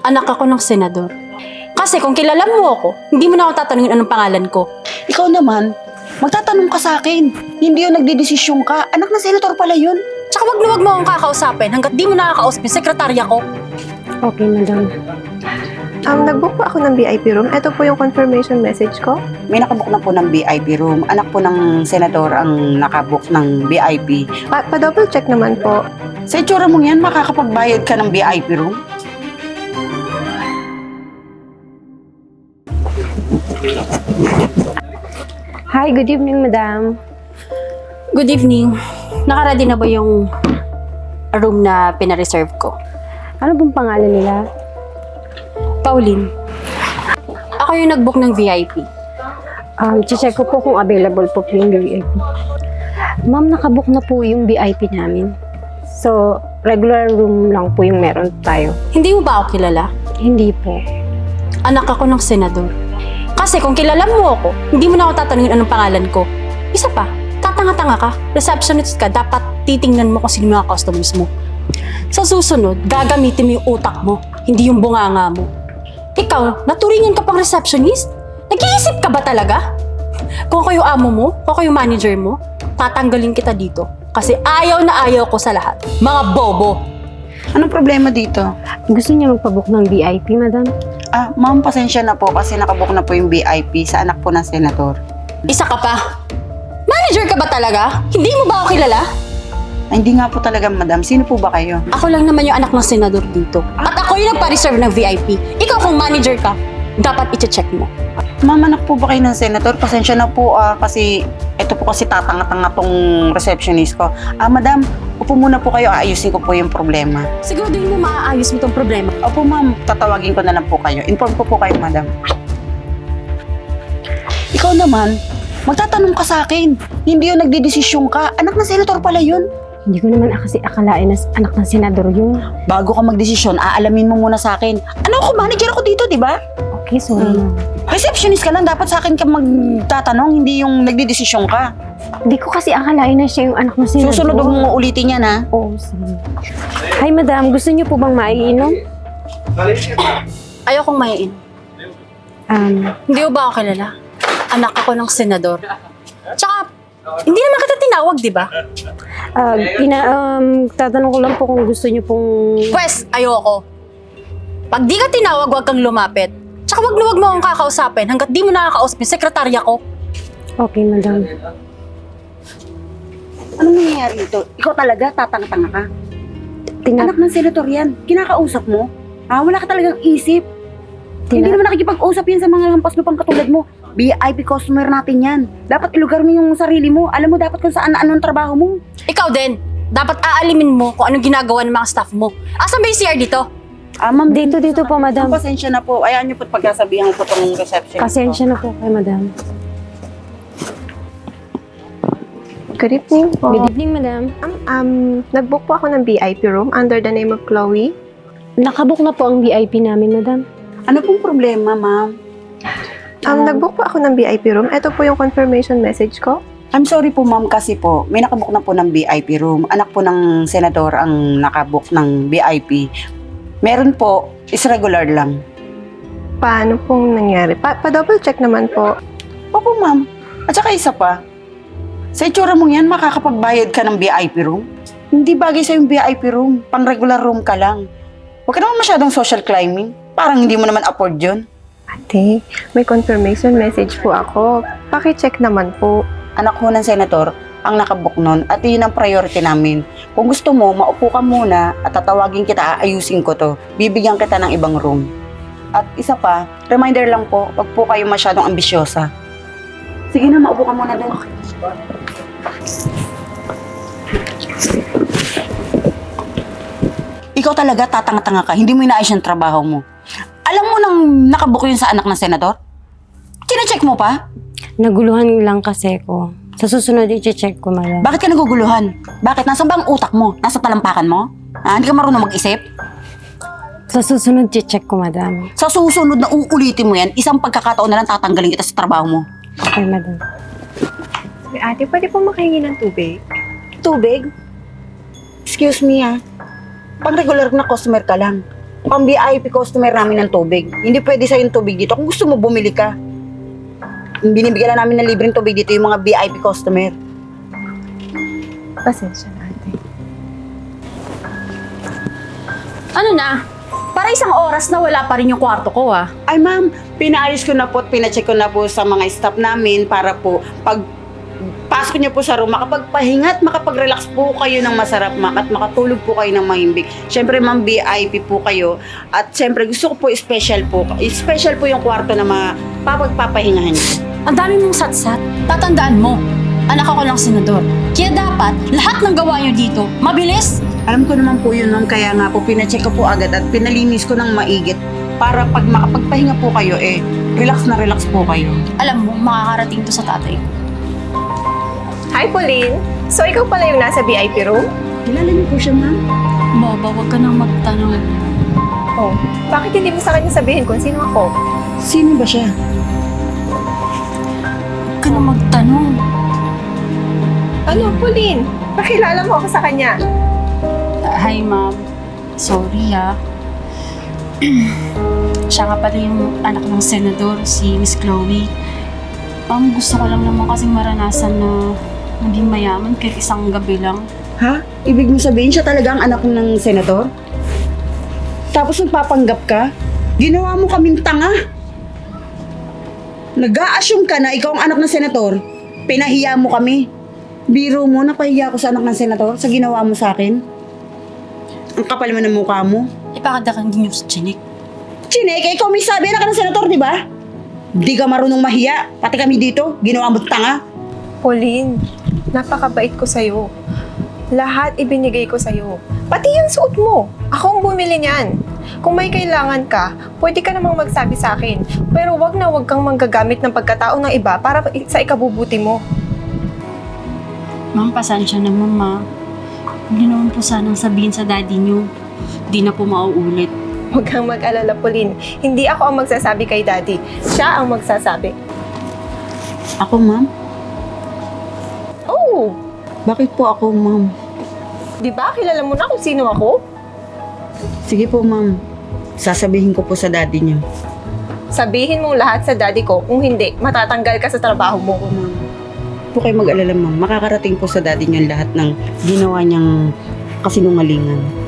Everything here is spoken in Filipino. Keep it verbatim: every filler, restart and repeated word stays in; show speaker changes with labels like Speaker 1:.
Speaker 1: Anak ako ng senador. Kasi kung kilala mo ako, hindi mo na ako tatanungin anong pangalan ko.
Speaker 2: Ikaw naman, magtatanong ka sa akin. Hindi yun nagdidesisyon ka. Anak na senator pala yun.
Speaker 1: Tsaka wag na wag mo akong kakausapin hanggat di mo nakakausap yung sekretarya ko.
Speaker 3: Okay, madam.
Speaker 4: Um, nag-book po ako ng V I P room. Ito po yung confirmation message ko.
Speaker 2: May nakabook na po ng V I P room. Anak po ng senador ang nakabook ng V I P.
Speaker 4: Pa- Pa-double check naman po.
Speaker 2: Sa itsura mong yan, makakapagbayad ka ng V I P room?
Speaker 3: Hi, good evening, madam.
Speaker 1: Good evening. Nakaready na ba yung room na pinareserve ko?
Speaker 3: Ano bang pangalan nila?
Speaker 1: Pauline. Ako yung nag-book ng V I P.
Speaker 3: Um, check ko po kung available po po yung V I P. Ma'am, nakabook na po yung V I P namin. So, regular room lang po yung meron tayo.
Speaker 1: Hindi mo ba ako kilala?
Speaker 3: Hindi po.
Speaker 1: Anak ako ng senador. Kasi kung kilala mo ako, hindi mo na ako tatanungin anong pangalan ko. Isa pa, tatanga-tanga ka, receptionist ka, dapat titingnan mo kung sino mga customers mo. Sa susunod, gagamitin mo yung utak mo, hindi yung bunganga mo. Ikaw, naturingan ka pang receptionist? Nag-iisip ka ba talaga? Kung ako yung amo mo, kung ako yung manager mo, tatanggalin kita dito. Kasi ayaw na ayaw ko sa lahat. Mga bobo!
Speaker 2: Anong problema dito?
Speaker 3: Gusto niya magpabook ng V I P, madam?
Speaker 2: Ah, ma'am, pasensya na po kasi nakabook na po yung V I P sa anak po ng senador.
Speaker 1: Isa ka pa. Manager ka ba talaga? Hindi mo ba ako kilala?
Speaker 2: Ay, hindi nga po talaga, madam. Sino po ba kayo?
Speaker 1: Ako lang naman yung anak ng senador dito. At ako yung nagpa-reserve ng V I P. Ikaw kung manager ka, dapat i-check mo.
Speaker 2: Ma'am, anak po ba kayo ng senador? Pasensya na po ah, kasi ito po kasi tatanga-tanga tong receptionist ko. Ah, madam, upo muna po kayo. Aayusin ko po yung problema.
Speaker 1: Siguraduhin mo maaayos mo tong problema.
Speaker 2: Opo, ma'am. Tatawagin ko na lang po kayo. Inform ko po kayo, madam. Ikaw naman, magtatanong ka sa akin. Hindi yun nagdidesisyon ka. Anak ng senator pala yun.
Speaker 3: Hindi ko naman kasi akalain na anak ng senador yun.
Speaker 2: Bago ka magdesisyon, aalamin mo muna sa akin. Ano ako, manager ako dito, di ba?
Speaker 3: Okay, sorry, ma'am.
Speaker 2: Receptionist ka lang, dapat sa akin ka magtatanong, hindi yung nagdidesisyon ka.
Speaker 3: Hindi ko kasi akalain na siya yung anak ng senador.
Speaker 2: Susunod huwag mo ulitin yan, ha?
Speaker 3: Oo, sige. Hi, madam. Gusto niyo po bang maiinom?
Speaker 1: Ayokong mahiin.
Speaker 3: Um,
Speaker 1: Hindi mo ba ako kilala? Anak ako ng senador. Tsaka, hindi naman kita tinawag, di ba?
Speaker 3: uh, ina, um, tatanong ko lang po kung gusto niyo pong...
Speaker 1: Pwes, ayoko. Pag di ka tinawag, huwag kang lumapit. Tsaka wag na wag mo akong kakausapin hanggat di mo nakakausap yung sekretarya ko.
Speaker 3: Okay, madam.
Speaker 2: Anong nangyayari dito? Ikaw talaga, tatanga-tanga ka.
Speaker 3: Tina-
Speaker 2: Anak ng senator yan. Kinakausap mo? Ah, wala ka talagang isip. Hindi
Speaker 3: tina-
Speaker 2: naman nakikipag-usap yan sa mga lampas lupang katulad mo. V I P customer natin yan. Dapat ilugar mo yung sarili mo. Alam mo dapat kung saan na anong trabaho mo.
Speaker 1: Ikaw din, dapat aalimin mo kung anong ginagawa ng mga staff mo. Asan ba yung C R dito?
Speaker 2: Ah, ma'am,
Speaker 3: Dito, dito po, madam.
Speaker 2: pasensya na po. Ayaan niyo po pagkasabihan ko itong reception.
Speaker 3: Pasensya na po kay madam.
Speaker 4: Good evening po.
Speaker 3: Good evening, madam.
Speaker 4: Um, um, nag-book po ako ng V I P room under the name of Chloe.
Speaker 3: Nakabook na po ang V I P namin, madam.
Speaker 2: Ano pong problema, ma'am?
Speaker 4: Um, nag-book po ako ng V I P room. Ito po yung confirmation message ko.
Speaker 2: I'm sorry po, ma'am, kasi po, may nakabook na po ng V I P room. Anak po ng senador ang nakabook ng V I P. Meron po, is regular lang.
Speaker 4: Paano pong nangyari? Pa- Pa-double check naman po.
Speaker 2: Opo, ma'am. At saka isa pa, sa itsura mong yan, makakapagbayad ka ng V I P room? Hindi bagay sa yung V I P room. Pang regular room ka lang. Huwag ka naman masyadong social climbing. Parang hindi mo naman afford yun.
Speaker 4: Ate, may confirmation message po ako. Paki-check naman po.
Speaker 2: Anak ko ng senator ang nakabook nun at yun ang priority namin. Kung gusto mo, maupo ka muna at tatawagin kita, aayusin ko to. Bibigyan kita ng ibang room. At isa pa, reminder lang po, wag po kayo masyadong ambisyosa. Sige na, maupo ka muna doon. Ikaw talaga, tatanga-tanga ka. Hindi mo inaayos yung trabaho mo. Alam mo nang nakabook yun sa anak ng senador? Kina-check mo pa?
Speaker 3: Naguluhan lang kasi ko. Sa susunod, i-check ko, madam.
Speaker 2: Bakit ka naguguluhan? Bakit? Nasaan ba ang utak mo? Nasa talampakan mo? Ah, hindi ka marunong mag-isip?
Speaker 3: Sa susunod, i-check ko, madam.
Speaker 2: Sa susunod na uulitin mo yan, isang pagkakataon na lang tatanggalin kita sa trabaho mo.
Speaker 3: Okay, madam.
Speaker 4: Ate, pwede po makahingi ng tubig?
Speaker 2: Tubig? Excuse me ah. Pang regular na customer ka lang. pang V I P customer namin ng tubig. Hindi pwede sa'yo yung tubig dito. Kung gusto mo, bumili ka. Binibigyan na namin ng libreng tubig dito yung mga V I P customer.
Speaker 4: Pasensya na, ate.
Speaker 1: Ano na? Para isang oras na wala pa rin yung kwarto ko ah.
Speaker 2: Ay ma'am, pinaayos ko na po at pinacheck ko na po sa mga staff namin para po pag pasok niyo po sa room, makapagpahinga at makapag-relax po kayo ng masarap, ma'am, at makatulog po kayo ng mahimbing. Siyempre ma'am, V I P po kayo at siyempre gusto ko po special po. Special po yung kwarto na mapapagpapahingahan niyo.
Speaker 1: Ang dami mong satsat. Tatandaan mo, anak ako ng senador. Kaya dapat, lahat ng gawa nyo dito, mabilis.
Speaker 2: Alam ko naman po yun, ma'am, kaya nga po pinacheck ko po agad at pinalinis ko ng maigit para pag makapagpahinga po kayo, eh, relax na relax po kayo.
Speaker 1: Alam mo, makakarating to sa tatay ko.
Speaker 4: Hi, Pauline! So, ikaw pala yung nasa V I P room?
Speaker 2: Kilala niyo po siya, ma'am?
Speaker 1: Boba, huwag ka nang magtanong.
Speaker 4: Oh, bakit hindi mo sa kanya sabihin kung sino ako?
Speaker 2: Sino ba siya?
Speaker 1: Huwag ka nang magtanong.
Speaker 4: Ano, Pauline? Pakilala mo ako sa kanya.
Speaker 1: Hi, ma'am. Sorry, ha. Siya nga pala yung anak ng senador, si Miss Chloe. Ma'am, gusto ko lang naman kasing maranasan na maging mayaman kahit isang gabi lang.
Speaker 2: Ha? Ibig mo sabihin siya talaga ang anak ng senator? Tapos nagpapanggap ka? Ginawa mo kaming tanga? Nag-a-assume ka na ikaw ang anak ng senator? Pinahiya mo kami? Biro mo, napahiya ko sa anak ng senator sa ginawa mo sa akin? Ang kapal mo ng mukha mo.
Speaker 1: Ipakadakan din yung sa chinik.
Speaker 2: Chinek, ikaw may sabi anak ka ng senator, di ba? Di ka marunong mahiya. Pati kami dito, ginawa mo tanga.
Speaker 4: Pauline, napakabait ko sa'yo. Lahat ibinigay ko sa'yo. Pati yung suot mo. Ako ang bumili niyan. Kung may kailangan ka, pwede ka namang magsabi sa akin. Pero wag na wag kang manggagamit ng pagkatao ng iba para sa ikabubuti mo.
Speaker 1: Ma'am, pasensya na, mama. Hindi naman po sanang sabihin sa daddy niyo. Di na po mauulit.
Speaker 4: Huwag kang mag-alala, Pauline. Hindi ako ang magsasabi kay Daddy. Siya ang magsasabi.
Speaker 2: Ako, ma'am?
Speaker 4: Oh!
Speaker 2: Bakit po ako, ma'am?
Speaker 4: Di ba? Kilala mo na kung sino ako?
Speaker 2: Sige po, ma'am. Sasabihin ko po sa daddy niyo.
Speaker 4: Sabihin mong lahat sa daddy ko. Kung hindi, matatanggal ka sa trabaho mo.
Speaker 2: Ako, ma'am. Huwag po kayo mag-alala, ma'am. Makakarating po sa daddy niyo lahat ng ginawa niyang kasinungalingan.